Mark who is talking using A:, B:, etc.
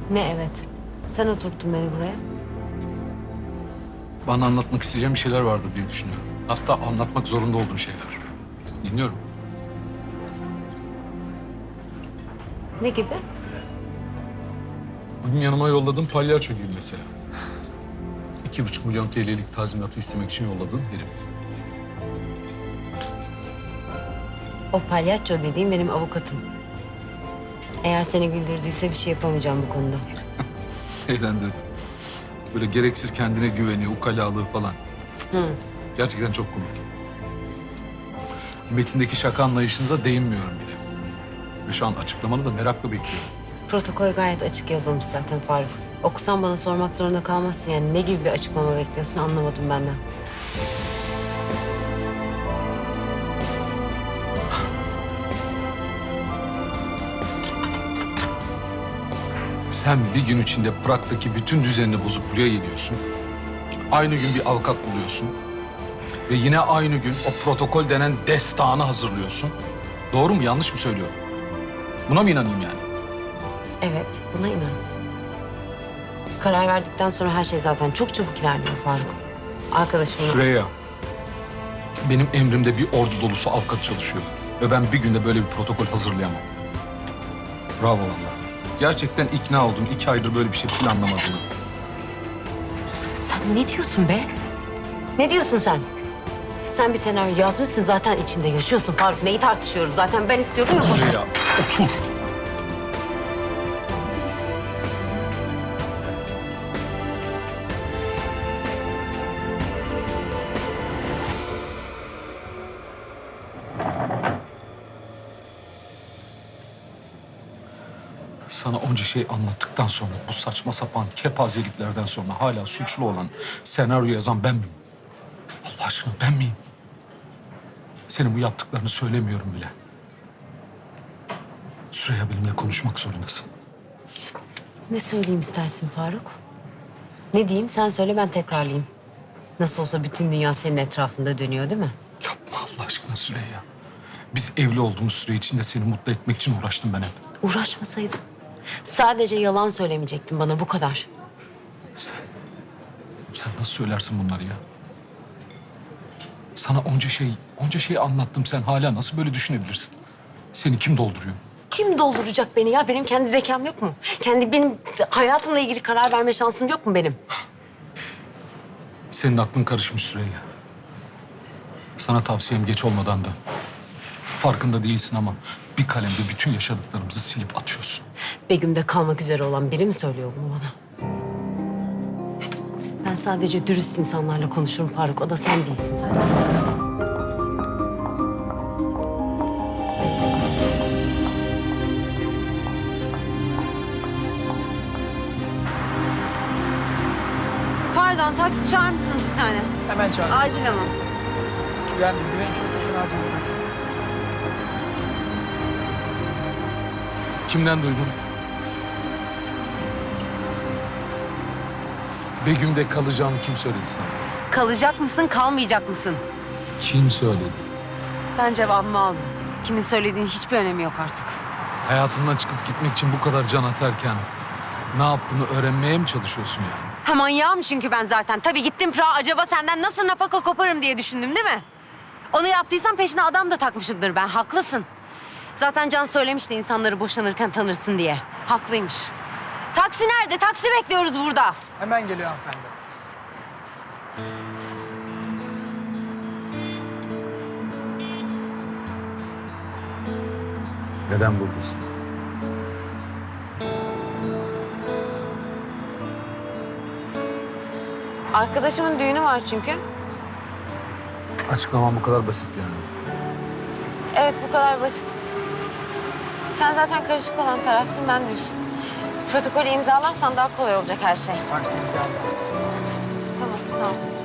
A: Ne evet? Sen oturttun beni buraya.
B: Bana anlatmak isteyeceğim bir şeyler vardır diye düşünüyorum. Hatta anlatmak zorunda olduğum şeyler. Dinliyorum.
A: Ne gibi?
B: Bugün yanıma yolladığın palyaço gibi mesela. 2,5 milyon TL'lik tazminatı istemek için yolladığın herif.
A: O palyaço dediğim benim avukatım. Eğer seni güldürdüyse bir şey yapamayacağım bu konuda.
B: Eğlendirdi. Böyle gereksiz kendine güveni, ukalalığı falan. Gerçekten çok komik. Metindeki şaka anlayışınıza değinmiyorum bile. Ve şu an açıklamanı da merakla bekliyorum.
A: Protokol gayet açık yazılmış zaten Faruk. Okusan bana sormak zorunda kalmazsın yani. Ne gibi bir açıklama bekliyorsun anlamadım benden.
B: Sen bir gün içinde Prag'daki bütün düzenini bozup buraya geliyorsun. Aynı gün bir avukat buluyorsun. Ve yine aynı gün o protokol denen destanı hazırlıyorsun. Doğru mu, yanlış mı söylüyorum? Buna mı inanayım yani?
A: Evet, buna inan. Karar verdikten sonra her şey zaten çok çabuk ilerliyor Faruk. Arkadaşımla...
B: Süreyya, benim emrimde bir ordu dolusu avukat çalışıyor. Ve ben bir günde böyle bir protokol hazırlayamam. Bravo vallahi. Gerçekten ikna oldum 2 aydır böyle bir şey planlamadığını.
A: Sen ne diyorsun be? Ne diyorsun sen? Sen bir senaryo yazmışsın zaten içinde yaşıyorsun Faruk. Neyi tartışıyoruz zaten ben istiyorum ya.
B: Süreyya, otur. Sana onca şey anlattıktan sonra, bu saçma sapan kepazeliklerden sonra hala suçlu olan, senaryo yazan ben miyim? Allah aşkına ben miyim? Senin bu yaptıklarını söylemiyorum bile. Süreyya, benimle konuşmak zorundasın.
A: Ne söyleyeyim istersin Faruk? Ne diyeyim sen söyle ben tekrarlayayım. Nasıl olsa bütün dünya senin etrafında dönüyor değil mi?
B: Yapma Allah aşkına Süreyya. Biz evli olduğumuz süre içinde seni mutlu etmek için uğraştım ben hep.
A: Uğraşmasaydın. Sadece yalan söylemeyecektin bana bu kadar.
B: Sen nasıl söylersin bunları ya? Sana onca şey anlattım. Sen hala nasıl böyle düşünebilirsin? Seni kim dolduruyor?
A: Kim dolduracak beni ya? Benim kendi zekam yok mu? Benim hayatımla ilgili karar verme şansım yok mu benim?
B: Senin aklın karışmış Süreyya. Sana tavsiyem geç olmadan da. Farkında değilsin ama bir kalemde bütün yaşadıklarımızı silip atıyorsun.
A: Begüm'de kalmak üzere olan biri mi söylüyor bunu bana? Ben sadece dürüst insanlarla konuşurum Faruk. O da sen değilsin zaten. Pardon, taksi çağırır mısınız bir tane?
C: Hemen çağır.
A: Acil ama.
C: Güvenli, güvenlik noktasına acil bir taksi.
B: Kimden duydun? Begüm'de kalacağını kim söyledi sana?
A: Kalacak mısın, kalmayacak mısın?
B: Kim söyledi?
A: Ben cevabımı aldım. Kimin söylediğinin hiçbir önemi yok artık.
B: Hayatımdan çıkıp gitmek için bu kadar can atarken ne yaptığını öğrenmeye mi çalışıyorsun yani?
A: Ha manyağım çünkü ben zaten. Tabii gittim Prag'a acaba senden nasıl nafaka koparım diye düşündüm değil mi? Onu yaptıysam peşine adam da takmışımdır ben. Haklısın. Zaten Can söylemişti insanları boşanırken tanırsın diye. Haklıymış. Taksi nerede? Taksi bekliyoruz burada.
C: Hemen geliyor hanımefendi.
B: Neden buradasın?
A: Arkadaşımın düğünü var çünkü.
B: Açıklamam bu kadar basit yani.
A: Evet bu kadar basit. Sen zaten karışık olan tarafsın ben düz. Protokolü imzalarsan daha kolay olacak her şey.
C: Taksiniz geldi.
A: Tamam tamam.